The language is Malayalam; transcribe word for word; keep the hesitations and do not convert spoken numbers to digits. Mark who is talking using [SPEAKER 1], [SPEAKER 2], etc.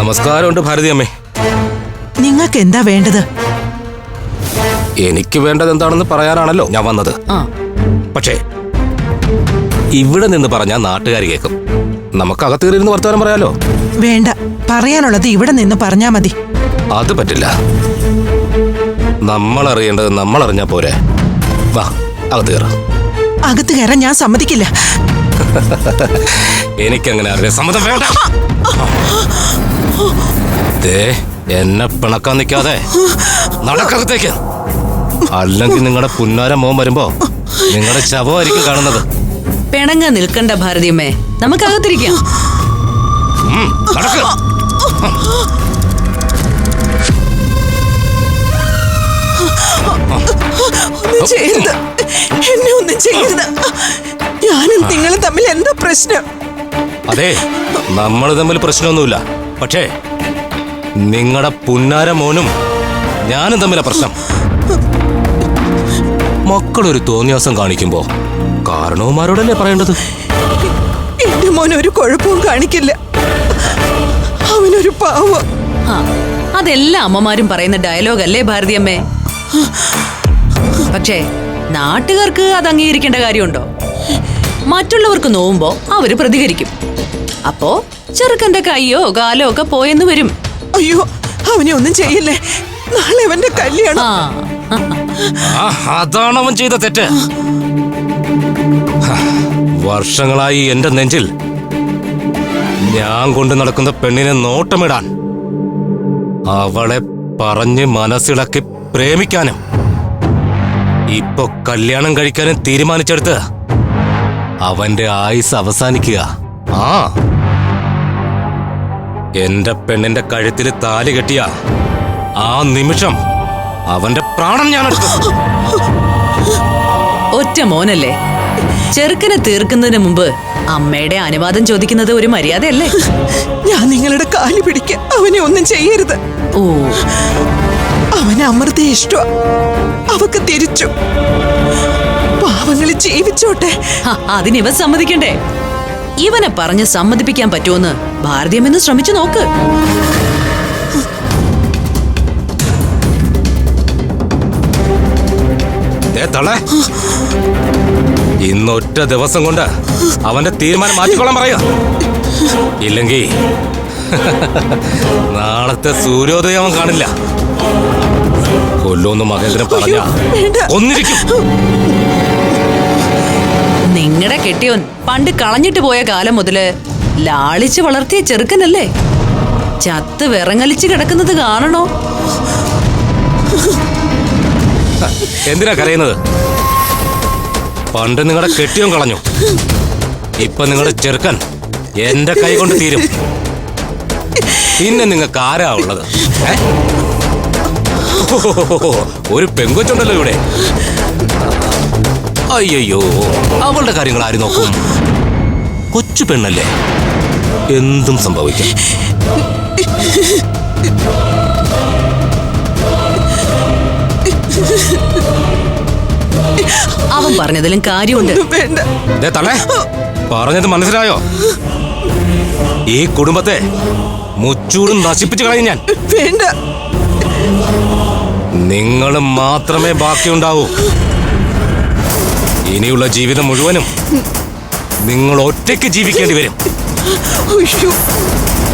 [SPEAKER 1] നമസ്കാരമുണ്ട് ഭാരതി അമ്മേ.
[SPEAKER 2] നിങ്ങൾക്ക് എന്താ വേണ്ടത്?
[SPEAKER 1] എനിക്ക് വേണ്ടത് എന്താണെന്ന് പറയാനാണല്ലോ ഞാൻ വന്നത്. പക്ഷേ ഇവിടെ നിന്ന് പറഞ്ഞാൽ നാട്ടുകാർ കേൾക്കും. നമുക്ക് അകത്തേറിയിരുന്ന് വർത്തമാനം പറയാലോ.
[SPEAKER 2] വേണ്ട, പറയാനുള്ളത് ഇവിടെ നിന്ന് പറഞ്ഞാ മതി.
[SPEAKER 1] അത് പറ്റില്ല. നമ്മൾ അറിയേണ്ടത് നമ്മൾ അറിഞ്ഞാ പോരെ. വാ, അകത്ത് കയറാം.
[SPEAKER 2] അകത്ത് കയറാൻ ഞാൻ സമ്മതിക്കില്ല.
[SPEAKER 1] എനിക്കങ്ങനെ അറിയാം, സമ്മതം വേണ്ട. എന്നെ പിണക്കാൻ നിൽക്കാതെ നടക്കകത്തേക്ക്. അല്ലെങ്കിൽ നിങ്ങളുടെ പുന്നാര മോൻ വരുമ്പോ നിങ്ങളുടെ ശവമായിരിക്കും കാണുന്നത്.
[SPEAKER 3] പിണങ്ങ നിൽക്കണ്ട ഭാരതിയമ്മേ, നമുക്കകത്തിരിക്കാം.
[SPEAKER 2] ഒന്നും ചെയ്യരുത്, എന്നെ ഒന്നും ചെയ്യരുത്. ഞാനും നിങ്ങളും തമ്മിൽ എന്താ പ്രശ്നം?
[SPEAKER 1] അതെ, നമ്മൾ തമ്മിൽ പ്രശ്നമൊന്നുമില്ല. പക്ഷേ നിങ്ങളുടെ പുന്നാര മോനും ഞാനും തമ്മിലാ പ്രശ്നം. മക്കളൊരു തോന്നിയാസം കാണിക്കുമ്പോ കാരണവന്മാരോടല്ലേ പറയേണ്ടത്?
[SPEAKER 2] എന്റെ മോൻ ഒരു കുഴപ്പവും കാണിക്കില്ല. അവനൊരു പാവം.
[SPEAKER 3] അതെല്ലാ അമ്മമാരും പറയുന്ന ഡയലോഗ് അല്ലേ ഭാരതിയമ്മേ? പക്ഷേ നാട്ടുകാർക്ക് അത് അംഗീകരിക്കേണ്ട കാര്യമുണ്ടോ? മറ്റുള്ളവർക്ക് നോവുമ്പോ അവര് പ്രതികരിക്കും. അപ്പോ ചെറുക്കന്റെ കയ്യോ കാലോ ഒക്കെ പോയെന്ന് വരും.
[SPEAKER 2] അയ്യോ, അവനെ ഒന്നും ചെയ്യില്ലേ. നാളെ അവന്റെ കല്യാണം.
[SPEAKER 1] അതാണ് അവൻ ചെയ്ത തെറ്റ്. വർഷങ്ങളായി എന്റെ നെഞ്ചിൽ ഞാൻ കൊണ്ട് നടക്കുന്ന പെണ്ണിനെ നോട്ടമിടാൻ, അവളെ പറഞ്ഞ് മനസ്സിളക്കി പ്രേമിക്കാനും ഇപ്പൊ കല്യാണം കഴിക്കാനും തീരുമാനിച്ചെടുത്ത് അവന്റെ ആയുസ് അവസാനിക്കുക. ആ എന്റെ പെണ്ണിന്റെ കഴുത്തിൽ താലി കെട്ടിയ ആ നിമിഷം അവന്റെ പ്രാണൻ ഞാൻ എടുക്കും.
[SPEAKER 3] ഒറ്റ മോനല്ലേ, ചെറുക്കനെ തീർക്കുന്നതിന് മുമ്പ് അമ്മയുടെ അനുവാദം ചോദിക്കുന്നത് ഒരു മര്യാദയല്ലേ?
[SPEAKER 2] ഞാൻ നിങ്ങളുടെ കാല് പിടിക്കാൻ. അവനെ ഒന്നും ചെയ്യരുത്.
[SPEAKER 3] ഓ,
[SPEAKER 2] അവന് അമൃത ഇഷ്ട. അവക്ക് തിരിച്ചു. പാവങ്ങള് ജീവിച്ചോട്ടെ.
[SPEAKER 3] അതിനിവ സമ്മതിക്കണ്ടേ? ഇവനെ പറഞ്ഞ് സമ്മതിപ്പിക്കാൻ പറ്റുമെന്ന് ഭാരതീയമെന്ന് ശ്രമിച്ചു നോക്ക്.
[SPEAKER 1] ഇന്നൊറ്റ ദിവസം കൊണ്ട് അവന്റെ തീരുമാനം മാറ്റിക്കൊള്ളാൻ പറയുക. ഇല്ലെങ്കിൽ നാളത്തെ സൂര്യോദയം അവൻ കാണില്ല. കൊല്ലൂന്ന് മഹേന്ദ്രൻ പറഞ്ഞ ഒന്നിരിക്കും.
[SPEAKER 3] നിങ്ങളുടെ കെട്ടിയോൻ പണ്ട് കളഞ്ഞിട്ട് പോയ കാലം മുതല് ലാളിച്ച് വളർത്തിയ ചെറുക്കനല്ലേ? ചത്ത് വിറങ്ങലിച്ച് കിടക്കുന്നത് കാണണോ?
[SPEAKER 1] എന്തിനാ കരയുന്നത്? പണ്ട് നിങ്ങളുടെ കെട്ടിയോൻ കളഞ്ഞു. ഇപ്പൊ നിങ്ങളുടെ ചെറുക്കൻ എന്റെ കൈ കൊണ്ട് തീരും. പിന്നെ നിങ്ങൾക്ക് ആരാ ഉള്ളത്? ഒരു പെങ്കൊച്ചുണ്ടല്ലോ ഇവിടെ. അയ്യോ, അവളുടെ കാര്യങ്ങൾ ആര് നോക്കും? കൊച്ചു പെണ്ണല്ലേ, എന്തും സംഭവിക്കും.
[SPEAKER 3] അവൻ പറഞ്ഞതിലും കാര്യമുണ്ട്.
[SPEAKER 1] പറഞ്ഞത് മനസ്സിലായോ? ഈ കുടുംബത്തെ മുച്ചൂടും നശിപ്പിച്ചു കളയും ഞാൻ.
[SPEAKER 2] വേണ്ട,
[SPEAKER 1] നിങ്ങൾ മാത്രമേ ബാക്കിയുണ്ടാവൂ. ഇനിയുള്ള ജീവിതം മുഴുവനും നിങ്ങൾ ഒറ്റയ്ക്ക് ജീവിക്കേണ്ടി വരും.